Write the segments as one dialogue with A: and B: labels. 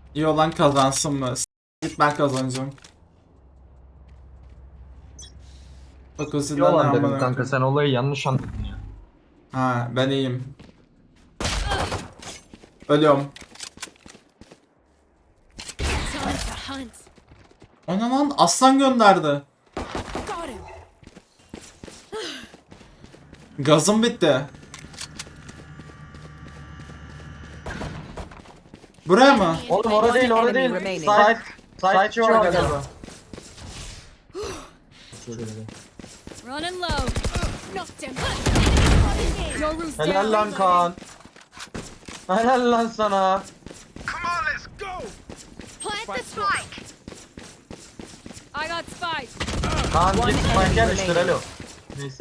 A: İyi olan kazansın mı? Git ben kazanacağım. Bak o zilden
B: Yalan dedim
A: amına
B: kanka,
A: koyayım.
B: sen olayı yanlış anladın ya.
A: Ha ben iyiyim. Ölüyorum.
C: Time to hunt.
A: O ne lan? Aslan gönderdi.
C: Got him.
A: Gazım bitti. Buraya mı?
B: Oğlum orada değil, orada değil.
D: Remaining.
B: Side var galiba.
C: Running low. Knocked him. Your roof's
B: Helal
C: down.
B: lan Kaan. Helal lan sana.
C: Plant the spike. I got spike.
B: Kaan git spike yerleştir,
D: remaining.
B: alo. Neyse.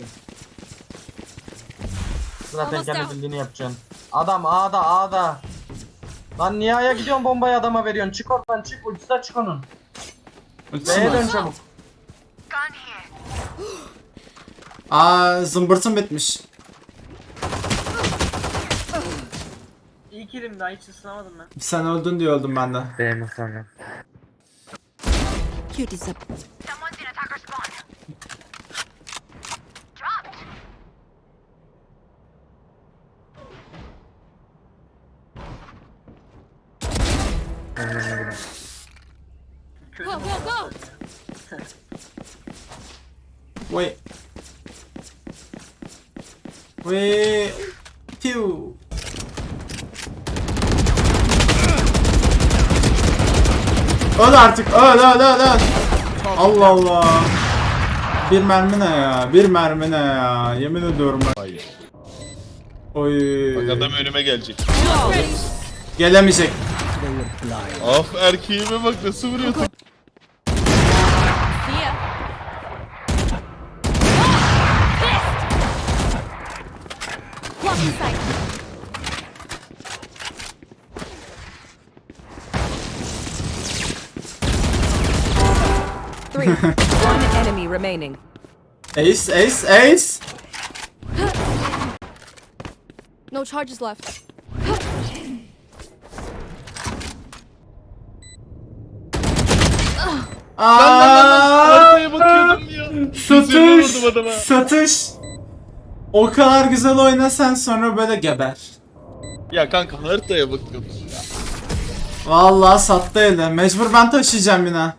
B: Zaten
C: Almost
B: kendi
C: out.
B: bildiğini yapacaksın. Adam A'da. Lan niye A'ya gidiyorsun, bombayı adama veriyorsun? Çık oradan, çık, ucuza çık onun.
A: Ultisi
B: B'ye
A: mi?
B: dön çabuk.
A: Aa zımbırtım bitmiş.
E: İlk elim daha hiç ısınamadım ben.
A: Sen öldün diye öldüm ben de.
F: Benim sonra.
D: Cuties up.
C: Go, go, go.
A: Wait. Wait. Pew. Öl artık. Öl. Allah Allah. Bir mermi ne ya? Bir mermi ne ya? Yemin ediyorum bak.
G: Hayır.
A: Oy.
G: Bak adam önüme gelecek.
C: Ready.
A: Gelemeyecek.
G: Af erkeğime bak nasıl vuruyor.
C: See ya. Blocking sight.
D: Three. One enemy remaining.
A: Ace.
C: No charges left.
G: Arkaya bakıyordum ya. Yüzüğümü
A: Satış.
G: vurdum adama.
A: Satış. O kadar güzel oyna sen sonra böyle geber.
G: Ya kanka haritaya bakıyordum.
A: Vallahi sattı eli. Mecbur ben taşıyacağım yine.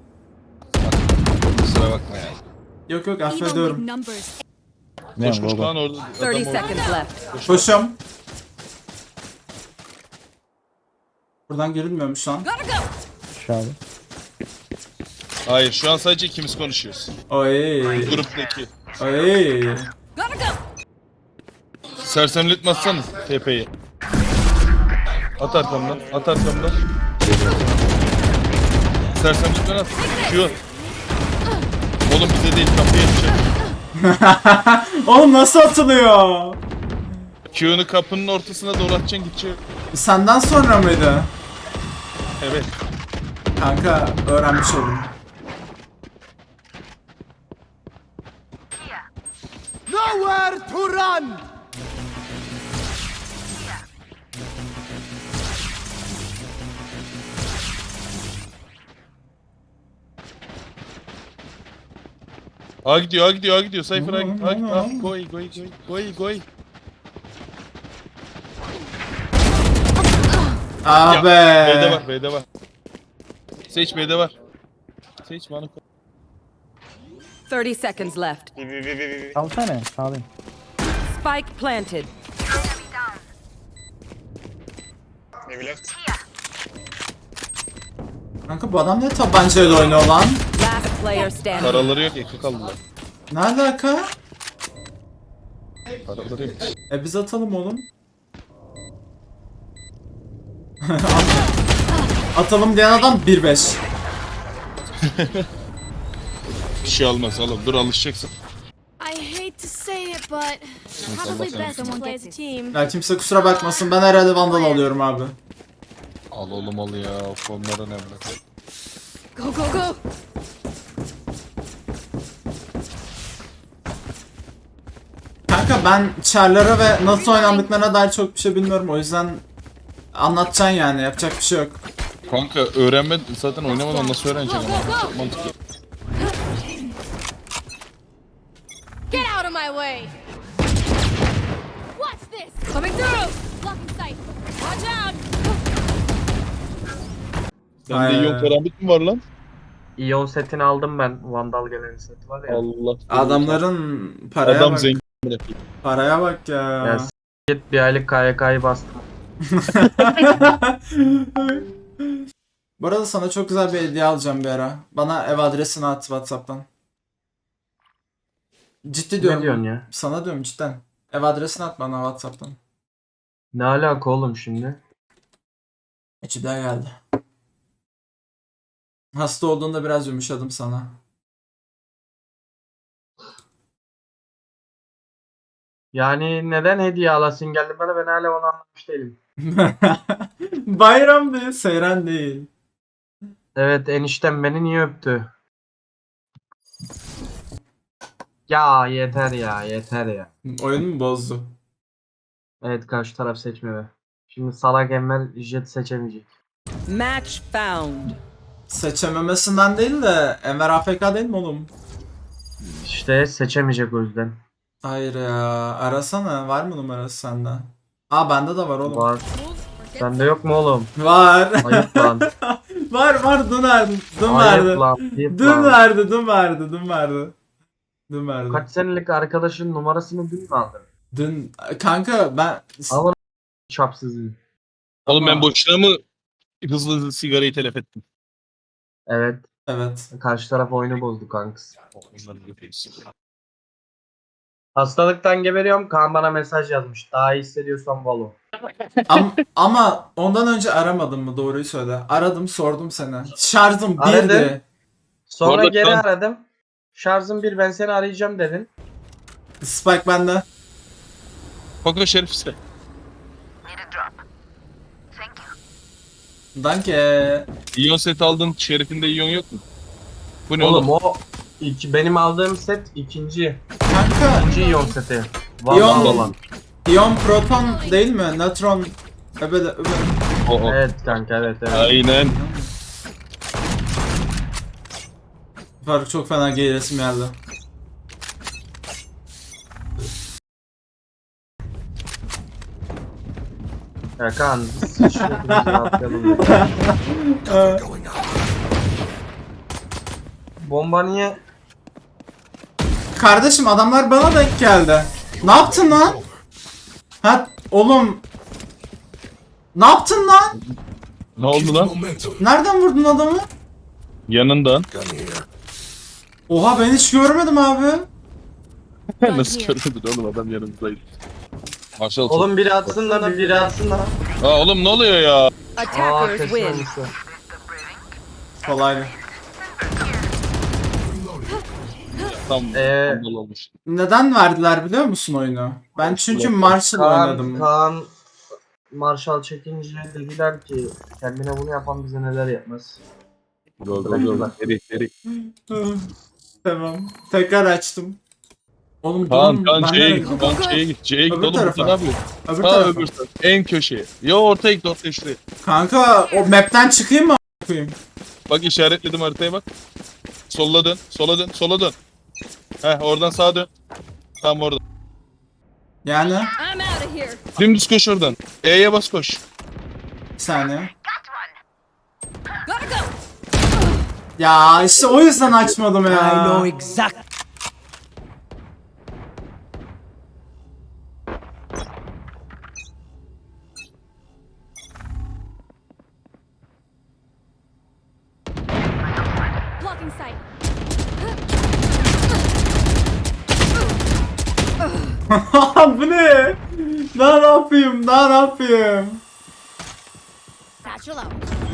G: Kusura bakma ya.
A: Yok
C: Even with
A: affediyorum.
C: numbers.
G: Koş Kaan orada.
D: 30
G: Adam orada.
D: seconds left.
A: Koşuyorum. Buradan girilmiyormuş lan.
C: Gotta go.
F: Aşağıda.
G: Hayır şu an sadece ikimiz konuşuyoruz.
A: Oy.
G: Gruptaki.
A: Oy.
C: Gotta go.
G: Sersemletmezsen TP'yi. At arkamdan. Sersemletmen at. Şu. Oğlum bize değil kapıya yetişecek.
A: Oğlum nasıl atılıyor?
G: Q'nu kapının ortasına doğru atacaksın gidecek.
A: Senden sonra mıydı?
G: Evet.
A: Kanka öğrenmiş oldum.
G: A gidiyor. Cypher A gidiyor. Goy.
A: Ah
G: B'de var. Sage B'de var. Sage bana koy.
D: 30 seconds left.
F: Salsana sağlayayım.
D: Spike planted.
A: Kanka bu adam ne tabancayla oynuyor lan?
D: Last player standing.
G: Paraları yok ekmek aldılar.
A: Ne alaka?
G: Paraları yok.
A: Biz atalım oğlum. Atalım diyen adam 1-5.
G: Bir şey olmaz oğlum dur alışacaksın.
C: I hate to say it, but probably best to play as a team.
A: Ya kimse kusura bakmasın ben herhalde vandal alıyorum abi.
G: Al oğlum al ya fonlar önemli.
C: Go, go, go.
A: Kanka ben char'lara ve nasıl oynandıklarına dair çok bir şey bilmiyorum o yüzden anlatacaksın yani yapacak bir şey yok.
G: Kanka öğrenme zaten oynamadan nasıl öğreneceksin ama. Çok mantıklı.
C: Get out of my way! What's this? Coming through! Blocking sight. Watch out!
G: Sende iyon karambit mi var lan?
B: İyon setini aldım ben. Vandal gelen seti var ya.
G: Allah.
A: Adamların paraya
G: Adam
A: bak.
G: zengin.
A: Paraya bak ya.
B: Ya git bir aylık KYK'yı bastım.
A: Bu arada sana çok güzel bir hediye alacağım bir ara. Bana ev adresini at WhatsApp'tan. Ciddi diyorum.
B: Ne diyorsun ya?
A: Sana diyorum cidden. Ev adresini at bana WhatsApp'tan.
B: Ne alaka oğlum şimdi?
A: İçimden geldi. Hasta olduğunda biraz yumuşadım sana.
B: Yani neden hediye alasın geldi bana, ben hala onu anlamış değilim.
A: Bayram değil, seyran değil.
B: Evet, eniştem beni niye öptü? Ya yeter ya, yeter ya.
A: Oyunu mu bozdu?
B: Evet, karşı taraf seçme be. Şimdi salak Enver jet seçemeyecek.
D: Match found.
A: Seçememesinden değil de Enver AFK değil mi oğlum?
B: İşte seçemeyecek o yüzden.
A: Hayır ya. Arasana. Var mı numarası sende? Aa bende de var oğlum.
B: Var. Sende yok mu oğlum?
A: Var.
B: Ayıp lan.
A: var. Dün verdi. Dün
B: Ayıp
A: verdi.
B: lan. Ayıp
A: Dün
B: lan.
A: verdi. Dün verdi. Dün verdi. Dün verdi.
B: Kaç senelik arkadaşın numarasını dün mü aldın?
A: Dün kanka ben
B: Alın çapsızı.
G: Oğlum ben
A: Ama-
G: boşuna mı hızlı sigarayı telef ettim?
B: Evet.
A: evet.
B: Karşı taraf oyunu bozdu kankız. Hastalıktan geberiyorum. Kaan bana mesaj yazmış. Daha iyi hissediyorsan Valo.
A: Ama ondan önce aramadın mı? Doğruyu söyle. Aradım sordum seni. Şarjım
B: Aradım.
A: birdi.
B: Sonra
G: Orada
B: geri
G: Kaan-
B: aradım. Şarjım bir, ben seni arayacağım dedin.
A: Spike bende.
G: Koko Şerif ise.
A: Danke.
G: İyon set aldın. Şerif'inde iyon yok mu? Bu ne
B: Oğlum
G: oğlum?
B: o benim aldığım set ikinci.
A: Kanka
B: İkinci iyon seti.
A: İyon-
B: Vallahi olan.
A: iyon proton değil mi? Nötron. Öbede.
G: O.
B: Evet kanka, evet.
G: Aynen.
A: Faruk çok fena gay resim geldi.
B: Ya Kaan biz şu hepimizi rahatlayalım ya. Bomba niye?
A: Kardeşim adamlar bana denk geldi. Ne yaptın lan? Ha oğlum. Ne yaptın lan?
G: Ne oldu lan?
A: Nereden vurdun adamı?
G: Yanından.
A: Oha ben hiç görmedim abi.
G: Nasıl görmedin oğlum, adam yanımızdaydı. Maşallah.
B: Oğlum biri atsın lan, biri atsın lan.
G: Aa oğlum ne oluyor ya?
D: Attackers
B: kesin
D: win.
B: olmuştu.
A: Kolaylı.
G: Tam tam olmuş.
A: Neden verdiler biliyor musun oyunu? Ben çünkü Marshall oynadım.
B: Kaan Marshall çekince dediler ki kendine bunu yapan bize neler yapmaz.
G: Go go go. Eri.
A: Tamam. Tekrar açtım. Oğlum
G: Kaan
A: durun,
G: Kaan
A: ben
G: C'ye
A: nereye
G: git.
A: gidiyorum?
G: Kaan C'ye git. C'ye git
A: Öbür
G: oğlum. Burada
A: tarafa.
G: ne yapıyorsun?
A: Öbür
G: Ha
A: tarafa.
G: öbür taraf. En köşeye. Yo ortaya git, ortaya şuraya.
A: Kanka o map'ten çıkayım mı a**ayım?
G: Bak işaretledim haritaya bak. Sola dön. Sola dön. Sola dön. Heh oradan sağa dön. Tam orada.
A: Yani
C: I'm out of here.
G: Dümdüz koş oradan. E'ye bas koş.
A: bir saniye.
C: Gotta go.
A: Ya işte o yüzden açmadım ya.
C: Blocking sight.
A: Bu ne? Daha ne yapayım? Daha ne yapayım?
C: Satchel out.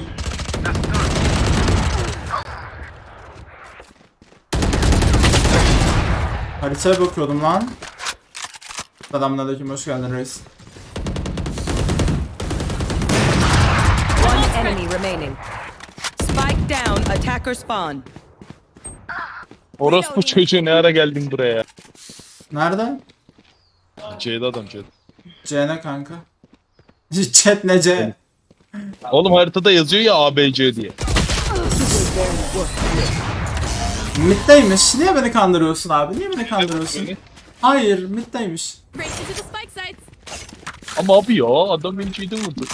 A: Haritaya bakıyordum lan. Selamünaleyküm, hoş geldin reis.
D: One enemy remaining. Spike down. Attacker spawn.
G: Orospu çocuğu ne ara geldin buraya?
A: Nerede?
G: C'de adam C'de.
A: C ne kanka? Chat ne C?
G: Oğlum haritada yazıyor ya ABC diye.
A: Mid'deymiş. Niye beni kandırıyorsun abi? Niye beni kandırıyorsun? Hayır, mid'deymiş.
C: Race into the spike sites.
G: Ama abi ya adam beni şeyde vurdu.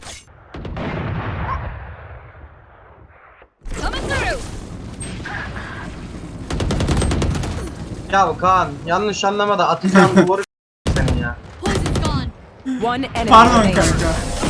C: Coming through.
B: Ya Kaan yanlış anlama da atacağım duvarı senin ya.
C: Poison's gone.
D: One enemy
A: Pardon
D: remaining.
A: kanka.